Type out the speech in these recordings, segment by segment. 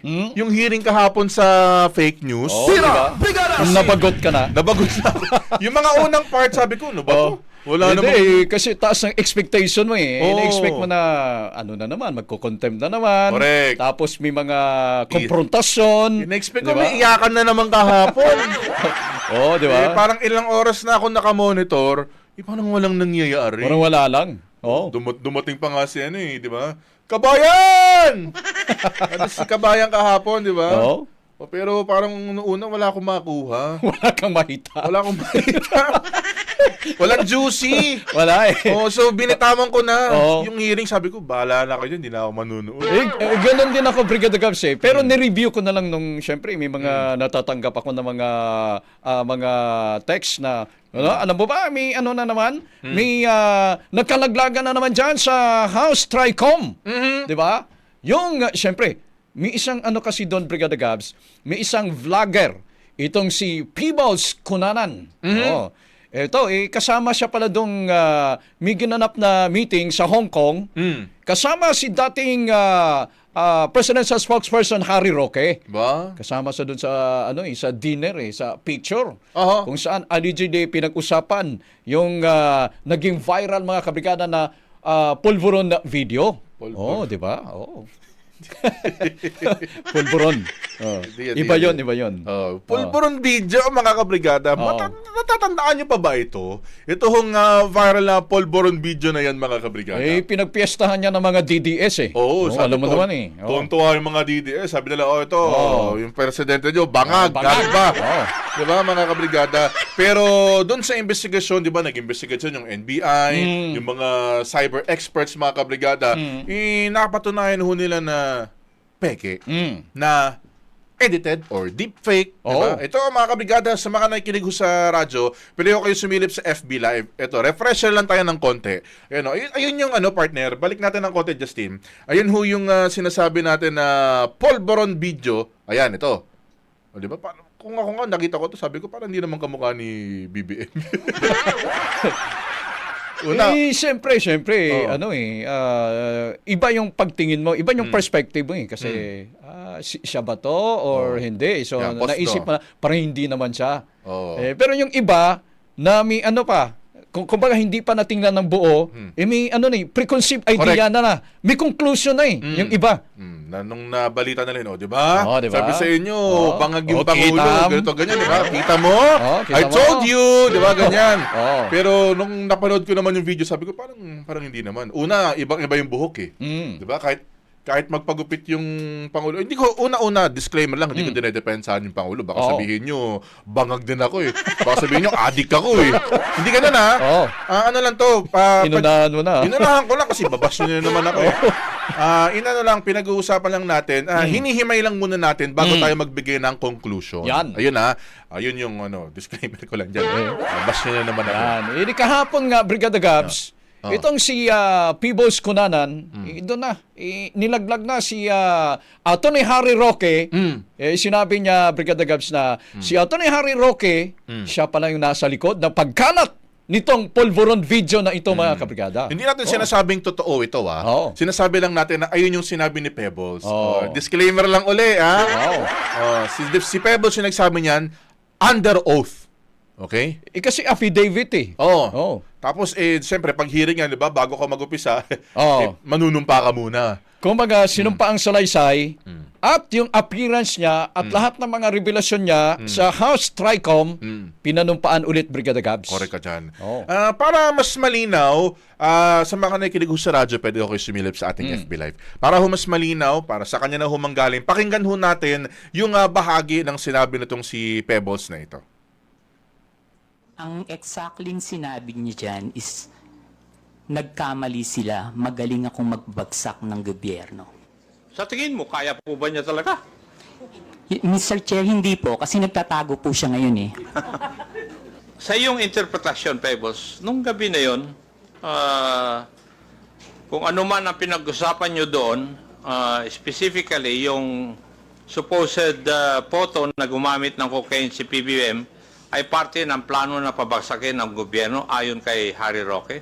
Yung hearing kahapon sa fake news. Oh, diba? Nabagot ka na. Nabagot na ako. Yung mga unang part, sabi ko, ano ba to? Wala Hindi, namang... kasi taas ng expectation mo eh. Oo. Ina-expect mo na, ano na naman, magko-contempt na naman. Correct. Tapos may mga konfrontasyon. In-expect ko, Diba? may iyakan na naman kahapon. Oo, di ba? Parang ilang oras na ako nakamonitor, parang walang nangyayari. Parang wala lang. Oo. Dumating pa nga si ano eh, di ba? Kabayan! Ano si Kabayan kahapon, di ba? Oo. Pero parang noong una wala akong makuha. Wala kang makita. Wala akong makita. Walang juicy. Wala eh. So binitawan ko na. Oo. Yung hearing, sabi ko, bahala na kayo, hindi na ako manunood. Ganun din ako, Brigada Gabs eh. Pero ni-review ko na lang nung, syempre, may mga natatanggap ako ng mga text na, alam mo ba, may ano na naman, may nagkalaglagan na naman dyan sa House Tricom. Di ba? Yung, syempre, may isang ano kasi doon, Brigada Gabs, may isang vlogger, itong si Peebles Cunanan. Oh. Ito, kasama siya pala doong may ginanap na meeting sa Hong Kong. Kasama si dating presidential spokesperson Harry Roque. Ba? Kasama sa doon sa sa dinner sa picture. Aha. Kung saan allegedly pinag-usapan yung naging viral mga kabrigada na pulveron na video. Oh, di ba? Oh. Pulveron. Oh. Iba yun. Pulburon video, mga kabrigada. Natatandaan nyo pa ba ito? Ito hong viral na pulburon video na yan, mga kabrigada. Pinagpiestahan niya ng mga DDS eh. Oo, alam mo naman eh. Tuwan-tuwa yung mga DDS. Sabi nila, ito, yung presidente nyo, bangag ba? Di ba, mga kabrigada? Pero doon sa investigasyon, di ba, nag-investigasyon yung NBI, yung mga cyber experts, mga kabrigada, napatunayan ho nila na peke, na edited or deepfake, diba? Ito mga kabrigada, sa mga nakikinig sa radyo, pwede ko kayo sumilip sa FB Live. Ito, refresher lang tayo ng konti. Ayun yung partner, balik natin ng konti, Justin. Ayun ho yung sinasabi natin na pulveron video. Ayan, ito. O, diba? Kung ako nga nakita ko to, sabi ko parang hindi naman kamukha ni BBM. Siyempre, iba yung pagtingin mo, iba yung perspective mo kasi siya ba to or hindi? So, naisip mo na, parang hindi naman siya. Pero yung iba, na may kumbaga hindi pa natingnan ng buo, may preconceived idea na, may conclusion na yung iba. Nung nabalita na rin, di ba? Diba? Sabi sa inyo, bangag yung Pangulo, ganito, ganyan, di ba? Kita mo? Kita I told you, di ba? Ganyan. Pero nung napanood ko naman yung video, sabi ko, parang hindi naman. Una, ibang-iba yung buhok eh. Di ba? Kahit magpagupit yung Pangulo. Hindi ko, una-una, disclaimer lang, hindi ko dinedepensahan yung Pangulo. Baka sabihin nyo, bangag din ako eh. Baka sabihin nyo, adik ako eh. Hindi ganun ha. Ano lang to. Inunahan mo na. Inunahan ko lang kasi babasyo nyo naman ako eh. Pinag-uusapan lang natin, hinihimay lang muna natin bago tayo magbigay ng conclusion. Yan. Ayun ayun yung disclaimer ko lang dyan. Babasyo nyo naman ako. Yan. Kahapon nga, Brigada Gabs, itong si Peebles Cunanan, doon na, nilaglag na si Atty. Harry Roque. Sinabi niya, Brigada Gabs, na si Atty. Harry Roque, siya pala yung nasa likod ng pagkalat nitong pulveron video na ito, mga kabrigada. Hindi natin sinasabing totoo ito, Sinasabi lang natin na ayun yung sinabi ni Pebbles. Disclaimer lang uli, si Pebbles yung nagsabi niyan, under oath. Okay? Kasi affidavit eh. Tapos, siyempre, pag hearing yan, di ba, bago ka mag-upisa, manunumpa ka muna. Kumbaga, sinumpa ang salaysay at yung appearance niya at lahat ng mga revelasyon niya sa House Tricom, pinanumpaan ulit, Brigada Gabs. Correct ka dyan. Para mas malinaw, sa mga nakikinig sa radyo, pwede ako sumilip sa ating FB Live. Para mas malinaw, para sa kanya na humanggaling, pakinggan natin yung bahagi ng sinabi nitong si Pebbles na ito. Ang exactly sinabi niya dyan is, nagkamali sila, magaling akong magbagsak ng gobyerno. Sa tingin mo, kaya po ba niya talaga? Mr. Chair, hindi po, kasi nagtatago po siya ngayon eh. Sa iyong interpretasyon, Pebbles, nung gabi na yon, kung ano man ang pinag-usapan nyo doon, specifically yung supposed photo na gumamit ng cocaine si PBM, ay parte ng plano na pabagsakin ng gobyerno ayon kay Harry Roque?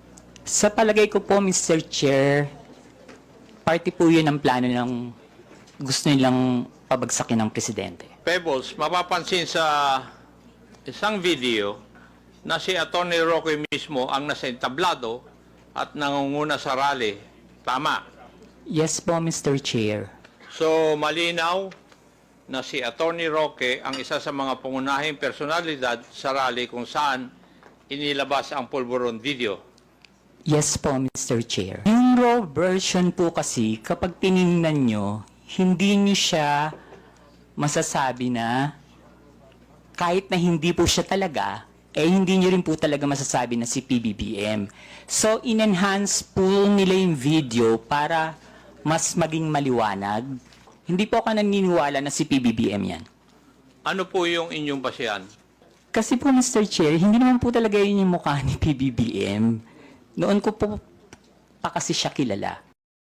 Sa palagay ko po, Mr. Chair, parte po yun ang plano ng gusto nilang pabagsakin ng presidente. Pebbles, mapapansin sa isang video na si Atty. Roque mismo ang nasa entablado at nangunguna sa rally. Tama. Yes po, Mr. Chair. So, malinaw na si Atty. Roque ang isa sa mga pangunahing personalidad sa rally kung saan inilabas ang pulburon video. Yes po, Mr. Chair. Yung raw version po kasi, kapag tinignan nyo, hindi nyo siya masasabi na kahit na hindi po siya talaga, hindi nyo rin po talaga masasabi na si PBBM. So, in-enhance po nila yung video para mas maging maliwanag. Hindi po ako naniniwala na si PBBM yan. Ano po yung inyong basihan? Kasi po, Mr. Chair, hindi naman po talaga yun yung mukha ni PBBM. Noon ko po pa kasi siya kilala.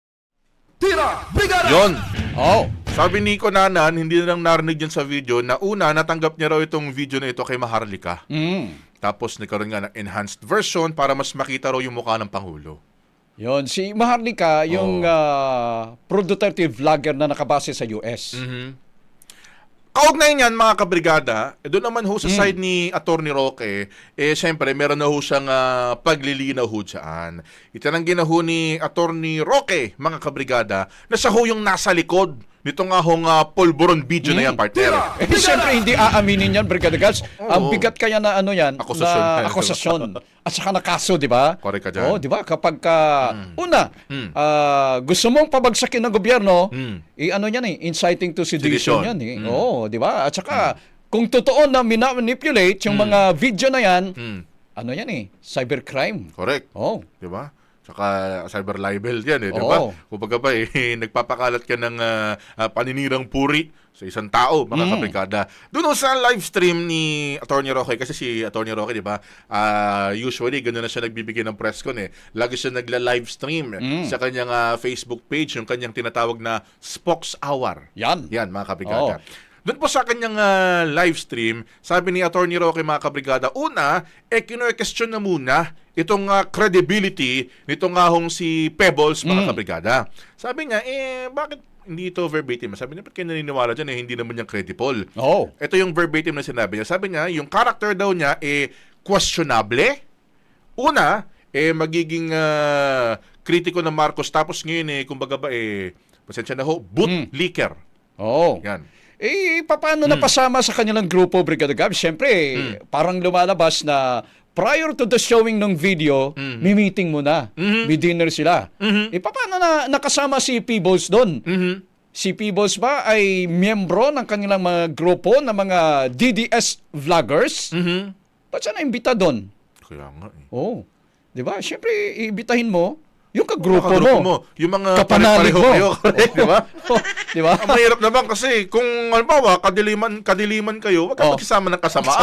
Yon. Oh. Sabi ni Konanan, hindi na lang narinig yun sa video na una, natanggap niya raw itong video na ito kay Maharlika. Tapos nagkaroon nga ng enhanced version para mas makita raw yung mukha ng Pangulo. Yon, si Maharlika, yung pro-Duterte vlogger na nakabase sa US. Kaugnay niyan mga kabrigada, doon naman ho sa side ni Atty. Roque, siyempre meron na ho siyang paglilinaw ho dyan. Itananggi na ho ni Atty. Roque, mga kabrigada, na siya ho yung nasa likod nito nga hong pulburon video na yan, partner. Siyempre, hindi aaminin yan, Brigada Gals. Ang bigat kaya na ano yan, Akusasyon. na akusasyon. At saka na kaso, di ba? Correct ka dyan. Oh, di ba? Kapag una, gusto mong pabagsakin ng gobyerno, ano yan inciting to sedition yan Oo, di ba? At saka, kung totoo na manipulate yung mga video na yan, ano yan cybercrime. Correct. Oh. Di ba? Saka cyber libel yan di ba? Kumbaga ba nagpapakalat ka ng paninirang puri sa isang tao, mga kabrigada. Doon sa live stream ni Atty. Roque, kasi si Atty. Roque, di ba, usually gano'n na siya nagbibigay ng press con Lagi siya nagla-live stream sa kanyang Facebook page, yung kanyang tinatawag na Spokes Hour. Yan, mga kabrigada. Doon po sa kanyang live stream, sabi ni Atty. Roque, mga kabrigada, una, kino-question na muna itong credibility nito nga hong si Pebbles, mga kabrigada. Sabi niya, bakit hindi ito verbatim? Sabi niya, ba't kayo naniniwala dyan? Hindi naman yan credible. Ito yung verbatim na sinabi niya. Sabi niya, yung character daw niya, questionable. Una, magiging kritiko ng Marcos. Tapos ngayon, kumbaga ba, pasensya na ho, boot leaker. Yan. Paano napasama sa kanilang grupo, Brigada Gab? Siyempre, parang lumalabas na prior to the showing ng video, may meeting muna. May dinner sila. Paano na nakasama si Peebles doon? Si Peebles ba ay miyembro ng kanilang mga grupo ng mga DDS vloggers? Ba't siya na-imbita doon? Kaya nga Di ba? Siyempre, iimbitahin mo yung kagrupo mo. Yung mga kapanalig mo. kayo, correct, di ba? Di ba? Ang mahirap naman kasi kung halimbawa kadiliman kayo, wag ka magsama ng kasamaan.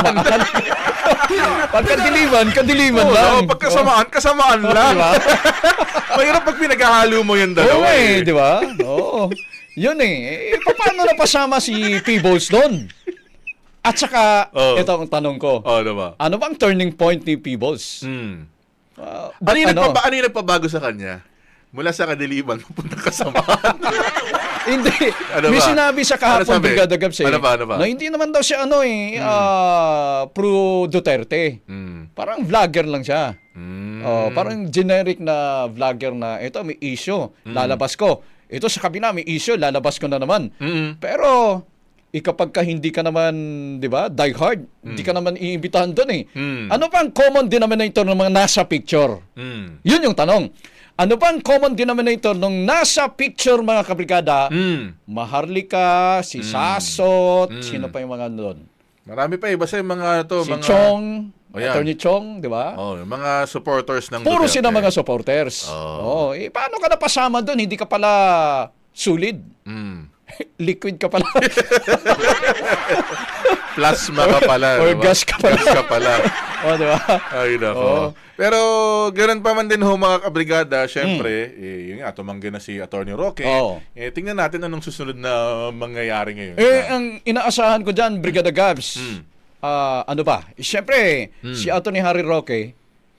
Pag kadiliman lang. Pag kasamaan lang. Diba? Mahirap pag pinaghahalo mo yung dalawa. Di ba? Oo. Yun paano napasama si Peebles doon? At saka, ito ang tanong ko. Diba? Ano bang turning point ni Peebles? Ano yung nagpabago sa kanya? Mula sa kadiliman, pupunta kasamaan. Hindi. May sinabi sa kahapon, Brigada Gabs, na hindi naman daw siya pro Duterte. Parang vlogger lang siya. Parang generic na vlogger na, ito may issue, lalabas ko. Ito sa kabila, may issue, lalabas ko na naman. Pero, kapag ka hindi ka naman, di ba, die hard, hindi ka naman iimbitahan doon Ano pa ang common denominator ng mga nasa picture? Yun yung tanong. Ano ba ang common denominator ng nasa picture, mga kabrigada? Maharlika, si Sasot, sino pa yung mga doon? Marami pa basta yung mga to. Si mga... Chong, Attorney Chong, di ba? Yung mga supporters ng Puro Duterte. sila mga supporters. Paano ka napasama doon? Hindi ka pala solid. Liquid ka pala. Plasma ka pala. Or diba? gas ka pala. Gas ka pala. Di ba? Ay, nako. Pero, ganoon pa man din ho, mga kabrigada, syempre, yun nga, tumanggi na si Atty. Roque. Tingnan natin anong susunod na mangyayari ngayon. Ang inaasahan ko dyan, Brigada Gabs, ano ba? Syempre, si Atty. Harry Roque,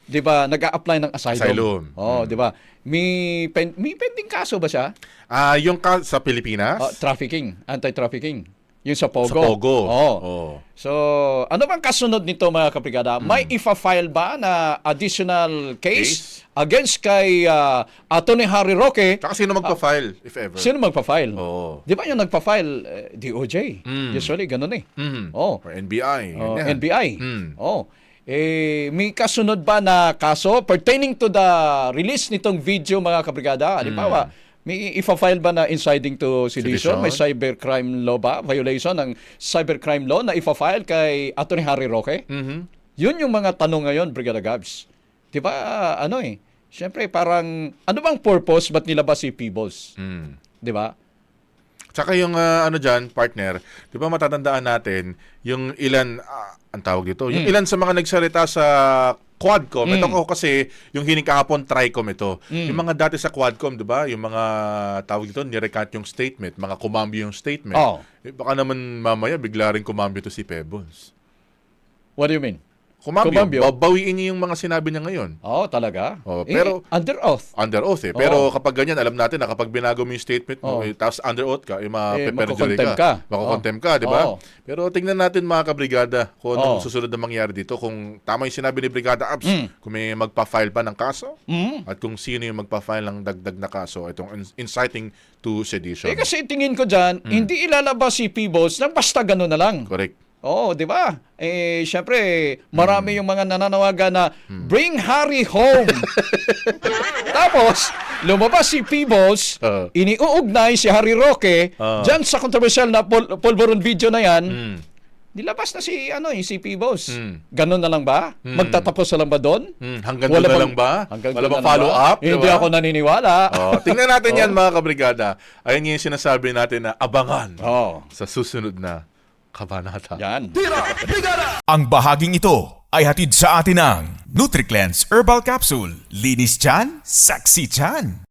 'di ba, nag-a-apply ng asylum. Asylum. Oh, 'di ba? May pending kaso ba siya? Yung sa Pilipinas? Trafficking, anti-trafficking. Yung sa Pogo. Sa Pogo. Oh. Oh. So, ano bang kasunod nito mga kabrigada? May ifa-file ba na additional case against kay Atty. Harry Roque? Tsaka sino magpa-file, if ever? Sino magpa-file? Oo. Di ba yung nagpa-file? DOJ. Usually, ganun eh. Oh. Or NBI. Oh, ganyan. NBI. Oh. May kasunod ba na kaso pertaining to the release nitong video mga kabrigada? Halimbawa, may ifa-file ba na inciting to sedition? Sedition? May cybercrime law ba? Violation ng cybercrime law na ifa-file kay Atty. Harry Roque? Yun yung mga tanong ngayon, Brigada Gabs. Di ba, siyempre parang, ano bang purpose? Ba't nilabas si Peebles? Di ba? Tsaka yung dyan, partner, di ba matatandaan natin, yung ilan, ang tawag dito, yung ilan sa mga nagsalita sa Quadcom, ito ko kasi yung hiling kahapon, Tricom ito. Yung mga dati sa Quadcom, di ba, yung mga tawag dito, nirecant yung statement, mga kumambyo yung statement. Oh. Baka naman mamaya bigla rin kumambyo to si Pebbles. What do you mean? Kumambyo, babawiin niya yung mga sinabi niya ngayon. Oo, talaga. Oh, pero under oath. Under oath eh. Pero kapag ganyan, alam natin na kapag binago mo yung statement mo, tapos under oath ka, mapeperjury ka. Makukontem ka, di ba? Pero tingnan natin mga kabrigada kung anong susunod na mangyari dito. Kung tama yung sinabi ni Brigada Abs, kung may magpa-file pa ng kaso, at kung sino yung magpa-file ng dagdag na kaso, itong inciting to sedition. Kasi tingin ko dyan, hindi ilalabas si Peebles nang basta gano'n na lang. Correct. Oo, di ba? Syempre, marami yung mga nananawagan na bring Harry home. Tapos, lumabas si Peebles, iniuugnay si Harry Roque, dyan sa controversial na Polvoron video na yan, nilabas na si Peebles. Ganon na lang ba? Magtatapos na lang ba doon? Hanggang doon na lang ba? Wala bang follow-up? Hindi ako naniniwala. Tingnan natin yan mga kabrigada. Ayun yung sinasabi natin na abangan sa susunod na kabanata. Yan. Ang bahaging ito ay hatid sa atin ng NutriCleanse Herbal Capsule. Linis tiyan, sexy tiyan.